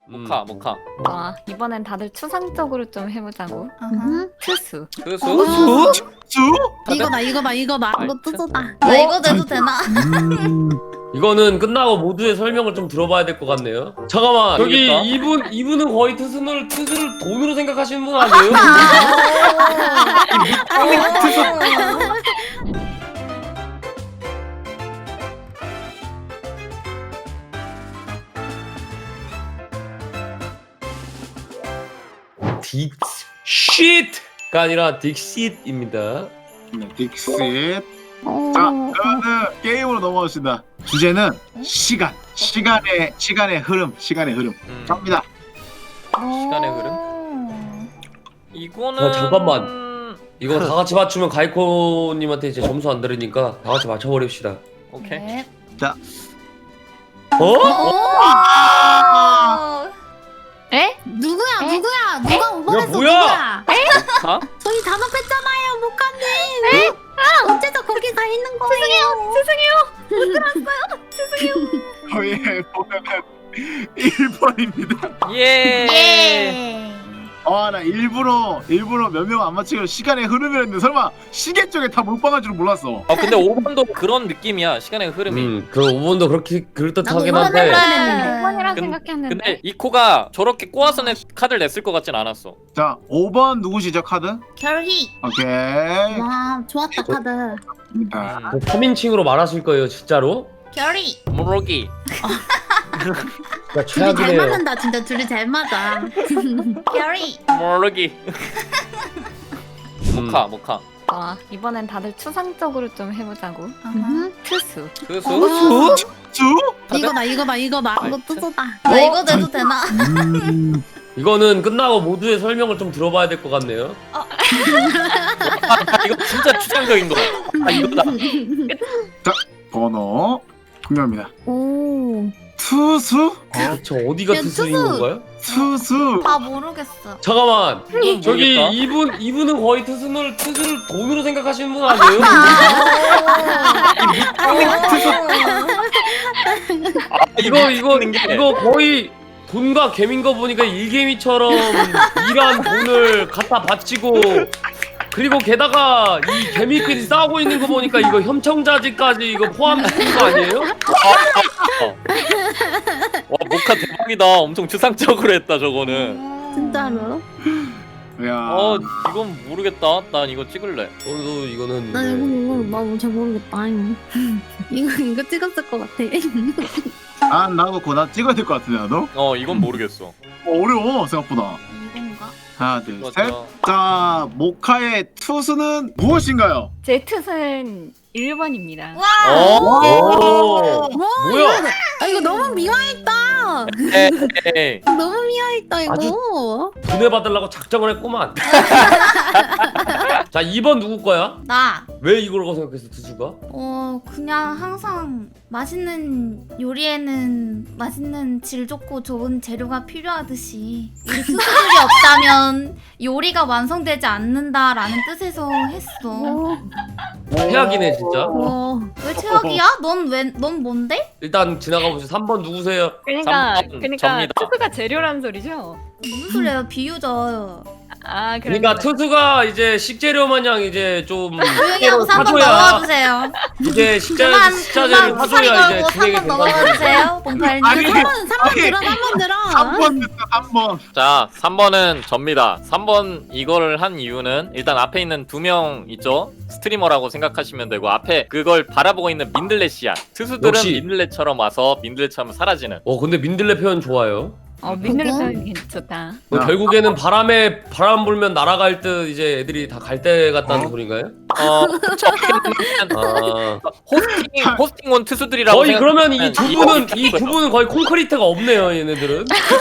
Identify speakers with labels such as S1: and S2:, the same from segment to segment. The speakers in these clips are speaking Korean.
S1: 모카.
S2: 이번엔 다들 추상적으로 좀 해보자고. 투수.
S1: 투수?
S3: 수?
S4: 이거다. 이거
S1: 아이,
S4: 뜨소다.
S5: 나 이거 내도 되나?
S6: 이거는 끝나고 모두의 설명을 좀 들어봐야 될 것 같네요. 잠깐만, 여기
S1: 알겠다.
S6: 이분은 거의 투수를 돈으로 생각하시는 분 아니에요? 딕시트가 아니라 딕시트입니다.
S3: 네, 딕sit. 자, 그러면 게임으로 넘어갑시다. 주제는 시간의 흐름. 갑니다.
S1: 시간의 흐름? 이거는
S6: 잠깐만. 이거 다 같이 맞추면 가이코님한테 이제 점수 안 들으니까 다 같이 맞춰버립시다.
S1: 오케이.
S5: 네.
S6: 어?
S2: 에?
S4: 누구야? 누가 5번
S6: 야,
S4: 했어?
S6: 뭐야?
S1: 모카?
S4: 저희 단합했잖아요, 목카님. 어째서 거기 가 있는 거예요?
S3: 저희 보면은 1번입니다.
S1: 예.
S3: 나 일부러 몇 명 안 맞추기로 시간의 흐름을 했는데 설마 시계 쪽에 다 몰빵할 줄은 몰랐어.
S1: 근데 5번도 그런 느낌이야. 시간의 흐름이.
S6: 그 5번도 그렇게 그럴듯하긴
S4: 나도
S6: 한데.
S4: 했는데.
S2: 5번이라
S1: 근-
S2: 생각했는데.
S1: 근데 이코가 저렇게 꼬아서 카드를 냈을 것 같진 않았어.
S3: 자, 5번 누구시죠, 카드?
S5: 결희.
S3: 오케이.
S4: 와, 좋았다, 카드.
S3: 자,
S6: 3인칭으로 말하실 거예요, 진짜로?
S5: 결희.
S1: 모르기.
S6: 진짜
S4: 둘이 잘
S6: 최악이네요.
S4: 맞는다, 진짜 둘이 잘 맞아.
S5: 결희.
S1: 모르기. 모카.
S2: 이번엔 다들 추상적으로 좀 해보자고. 투수.
S1: 투수?
S3: 수?
S4: 이거다. 이거
S1: 아이,
S4: 뜨소다.
S5: 나 이거 내도 되나?
S6: 이거는 끝나고 모두의 설명을 좀 들어봐야 될 것 같네요.
S1: 이거 진짜 추상적인 거. 이거다.
S3: 번호 공개합니다.
S4: 오.
S3: 투수?
S6: 저 어디가
S4: 야,
S6: 투수인
S4: 투수!
S6: 건가요?
S3: 투수.
S5: 아 모르겠어.
S6: 잠깐만,
S1: 이건
S6: 저기
S1: 모르겠다.
S6: 이분은 거의 투수를 돈으로 생각하시는 분 아니에요? 이거 거의 돈과 개민 거 보니까 일개미처럼 일한 돈을 갖다 바치고, 그리고 게다가 이 개미끼리 싸우고 있는 거 보니까 이거 협청자지까지 이거 포함된 거 아니에요?
S1: 와 모카 대박이다. 엄청 추상적으로 했다 저거는.
S4: 진짜로?
S3: 야.
S1: 이건 모르겠다. 난 이거 찍을래.
S6: 저도 이거는
S4: 나 나도 잘 모르겠다. 이거 찍었을 것 같아.
S3: 나도 그거 찍어야 될 것 같은데 나도.
S1: 이건 모르겠어.
S3: 어려워 생각보다.
S5: 이건가?
S3: 하나, 둘,
S1: 이거
S3: 셋. 자, 모카의 투수는 무엇인가요?
S2: 제 투수는 1번입니다.
S5: 와.
S6: 오! 뭐야?
S4: 이거 너무 미화했다.
S1: 에이.
S4: 너무 미화했다 이거.
S6: 아주- 분해 받으려고 작정을 했구만. 자, 2번 누구 거야?
S5: 나.
S6: 왜 이걸 생각했어, 투수가?
S5: 그냥 항상 맛있는 요리에는 맛있는 질 좋고 좋은 재료가 필요하듯이 우리 투수들이 없다면 요리가 완성되지 않는다라는 뜻에서 했어.
S6: 최악이네, 진짜.
S5: 왜 최악이야? 넌 뭔데?
S6: 일단 지나가 보시죠. 3번 누구세요?
S2: 그러니까
S1: 3번 접니다.
S2: 투수가 재료라는 소리죠?
S5: 무슨 소리야? 비유죠.
S6: 그러니까 투수가 이제 식재료 마냥 이제 좀
S5: 조용히 하고 3번
S6: 사줘야
S5: 넘어와주세요.
S6: 이제 식재료를
S5: 그만
S6: 사줘야 이제
S5: 걸고
S6: 진행이
S5: 3번
S6: 된다는 거지.
S5: 넘어와주세요. 봉팔님.
S3: 아니,
S4: 3번 들어. 3번 들어.
S3: 3번 됐어, 3번.
S1: 자 3번은 접니다. 3번 이거를 한 이유는 일단 앞에 있는 2명 있죠? 스트리머라고 생각하시면 되고 앞에 그걸 바라보고 있는 민들레시야. 투수들은
S6: 역시.
S1: 민들레처럼 와서 민들레처럼 사라지는.
S6: 근데 민들레 표현 좋아요.
S2: 민들레
S4: 그거?
S2: 표현이 좋다.
S6: 결국에는 바람 불면 날아갈 듯 이제 애들이 다 갈 때 같다는 소린가요?
S1: 호스팅 온 투수들이라고
S6: 거의 그러면 이
S1: 생각하면
S6: 두 분은 거의 콘크리트가 없네요, 얘네들은.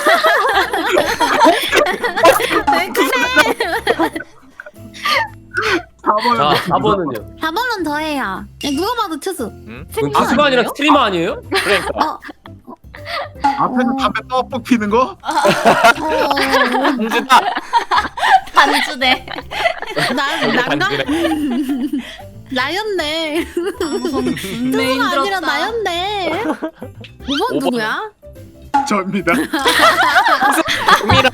S6: 자, 4번은요.
S4: 4번은 더해요. 누가 봐도 투수.
S6: 가수가 아니라 스트리머 아니에요?
S1: 그러니까
S3: 앞에서 담배 떡뻑 피는 거?
S1: 공주다.
S5: 반주네.
S4: 난가? 나였네. 투수가 아니라 나였네. 5번 누구야?
S3: 저입니다.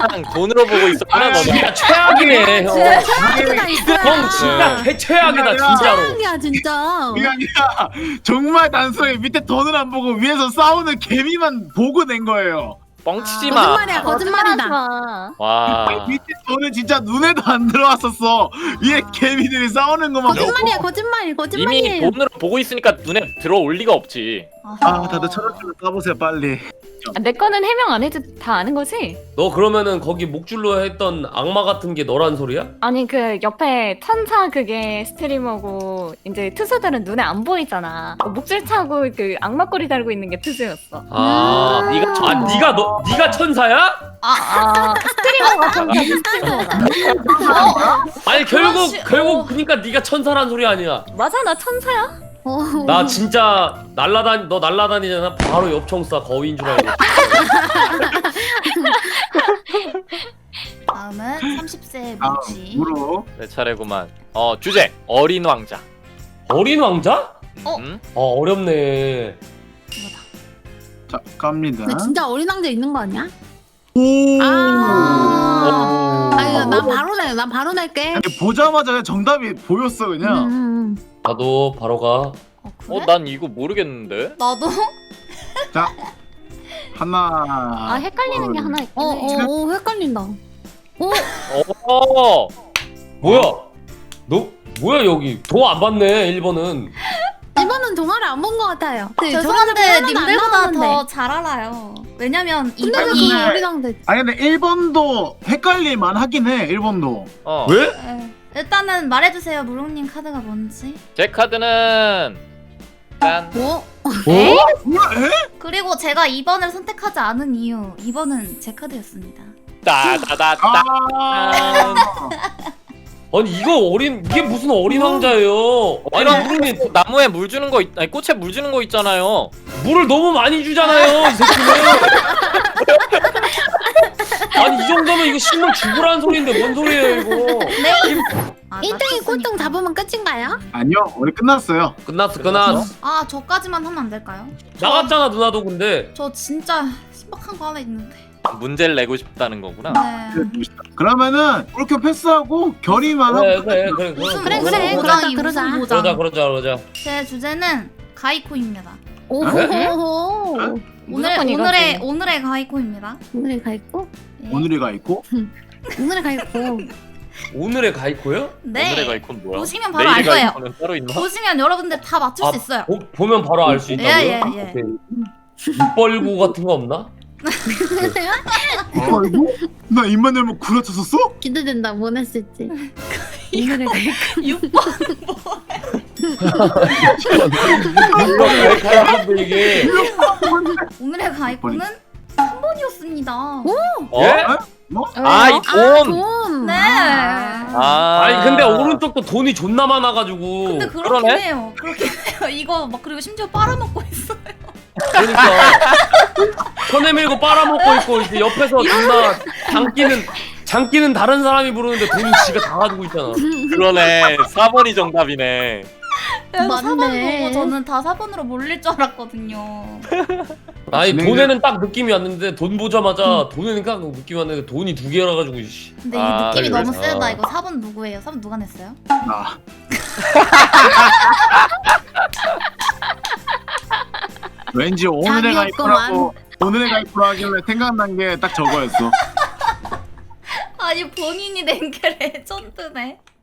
S1: 그냥 돈으로 보고 있었구나 너는.
S6: 진짜 최악이네 형.
S4: 최악이다 이거.
S6: 형 진짜 최악이다 진짜로.
S4: 최악이야 진짜.
S3: 그게 아니라 정말 단순하게 밑에 돈을 안 보고 위에서 싸우는 개미만 보고 낸 거예요.
S1: 뻥치지 마.
S4: 거짓말이야 거짓말이다.
S2: 마.
S1: 와.
S3: 밑에 돈은 진짜 눈에도 안 들어왔었어. 위에 개미들이 싸우는 것만
S4: 거짓말이야
S3: 보고.
S4: 거짓말
S1: 이미
S4: 거짓말이에요.
S1: 돈으로 보고 있으니까 눈에 들어올 리가 없지.
S3: 아 다들 철학적으로 까보세요 빨리.
S2: 내 거는 해명 안 해도 다 아는 거지?
S6: 너 그러면은 거기 목줄로 했던 악마 같은 게 너란 소리야?
S2: 아니 그 옆에 천사 그게 스트리머고 이제 투수들은 눈에 안 보이잖아. 목줄 차고 그 악마꼬리 달고 있는 게 투수였어.
S6: 아, 네가 천사야?
S2: 스트리머가 천사지 스트리머가.
S6: 아니
S5: 그렇지.
S6: 결국 그러니까 네가 천사란 소리 아니야.
S2: 맞아 나 천사야?
S6: 나 진짜 너 날라다니잖아. 바로 옆청 쏴 거위인 줄 알고.
S5: 다음은 30세 미치.
S3: 무로.
S1: 내 차례구만. 주제 어린 왕자.
S6: 어린 왕자?
S1: 음?
S6: 어렵네.
S3: 자 갑니다.
S4: 근데 진짜 어린 왕자 있는 거 아니야?
S3: 오.
S4: 아니 난 바로 낼게.
S3: 아니, 보자마자 그냥 정답이 보였어 그냥.
S6: 나도 바로 가.
S5: 그래?
S1: 난 이거 모르겠는데.
S5: 나도?
S3: 자 하나.
S2: 아 헷갈리는 게 하나 있긴 해.
S4: 헷갈린다.
S6: 뭐야? 너 뭐야 여기 도 안 받네 1번은.
S4: 이번은 동화를 안 본 것 같아요.
S5: 죄송한데 님들보다 더 잘 알아요. 왜냐면
S4: 근데 왜
S5: 이분이
S4: 그게 어린 왕자?
S3: 아니 근데 1번도 헷갈릴만 하긴 해 1번도.
S6: 왜?
S5: 일단은 말해주세요. 무롱님 카드가 뭔지.
S1: 제 카드는 짠.
S4: 뭐?
S3: 뭐야? 에?
S5: 그리고 제가 2번을 선택하지 않은 이유 2번은 제 카드였습니다.
S1: 따다다다.
S3: 아.
S6: 아니 이게 무슨 어린 왕자예요? 아니 무릉님
S1: 나무에 물 주는 거 아니 꽃에 물 주는 거 있잖아요.
S6: 물을 너무 많이 주잖아요 이 새끼는. 아니 이 정도면 이거 식물 죽으라는 소리인데 뭔 소리예요 이거?
S5: 네.
S4: 1등이 꼴등 잡으면 끝인가요?
S3: 아니요 우리 끝났어요.
S6: 끝났어.
S5: 아 저까지만 하면 안 될까요?
S6: 나갔잖아 누나도 근데.
S5: 저 진짜 신박한 거 하나 있는데.
S1: 문제를 내고 싶다는 거구나.
S5: 네.
S3: 그러면은 이렇게 패스하고 결의만 하고.
S6: 그래.
S5: 무슨
S4: 그래,
S5: 무슨
S4: 그러자,
S5: 보장이
S4: 그러자.
S5: 무슨 보장.
S6: 그러자.
S5: 제 주제는 가이코입니다.
S4: 오호호호.
S2: 무조건 이거지.
S5: 오늘의 가이코입니다.
S4: 오늘의 가 있고
S5: 네.
S3: 오늘이 가 있고.
S4: 오늘의 가 있고.
S6: 오늘의 가이코요?
S5: 네.
S1: 오늘의 가이콘 뭐야?
S5: 보시면 바로 알
S1: 내일의
S5: 거예요.
S1: 가이콘은 따로 있나?
S5: 보시면 여러분들 다 맞출 수 있어요.
S6: 보면 바로 알 수 있다고요?
S5: 예.
S6: 오케이. 입벌구 같은 거 없나?
S3: 아이고? 나 입만 열면 구라쳤었어?
S4: 기대된다. 뭐 냈을지. 오늘의 가 있고.
S5: 6번
S6: 이거 가이코인데 이게.
S5: 오늘의 가이코는 3번이었습니다.
S6: 예?
S3: 뭐?
S1: 이 돈.
S4: 돈.
S5: 네.
S6: 아니 근데 오른쪽도 돈이 존나 많아가지고.
S5: 근데 그렇긴
S1: 그러네?
S5: 해요. 그렇긴 해요. 이거 막 그리고 심지어 빨아먹고 있어요.
S6: 그러니까 손에 밀고 빨아먹고 있고 이제 옆에서 존나 장기는 다른 사람이 부르는데 돈은 지가 다 가지고 있잖아.
S1: 그러네. 4번이 정답이네.
S5: 그래서
S4: 맞네.
S5: 4번 보고 저는 다 4번으로 몰릴 줄 알았거든요.
S6: 아니 돈에는 딱 느낌이 왔는데 돈 보자마자 돈에는 딱 느낌이 왔는데 돈이 두 개라 가지고 씨.
S5: 근데 이 느낌이
S1: 그래.
S5: 너무 세다. 이거 4번 누구예요? 4번 누가 냈어요?
S3: 나. 왠지 오늘의 가이프라고 오늘의 가이프라 하길래 생각난 게 딱 저거였어.
S5: 아니 본인이 낸 게 레전드네.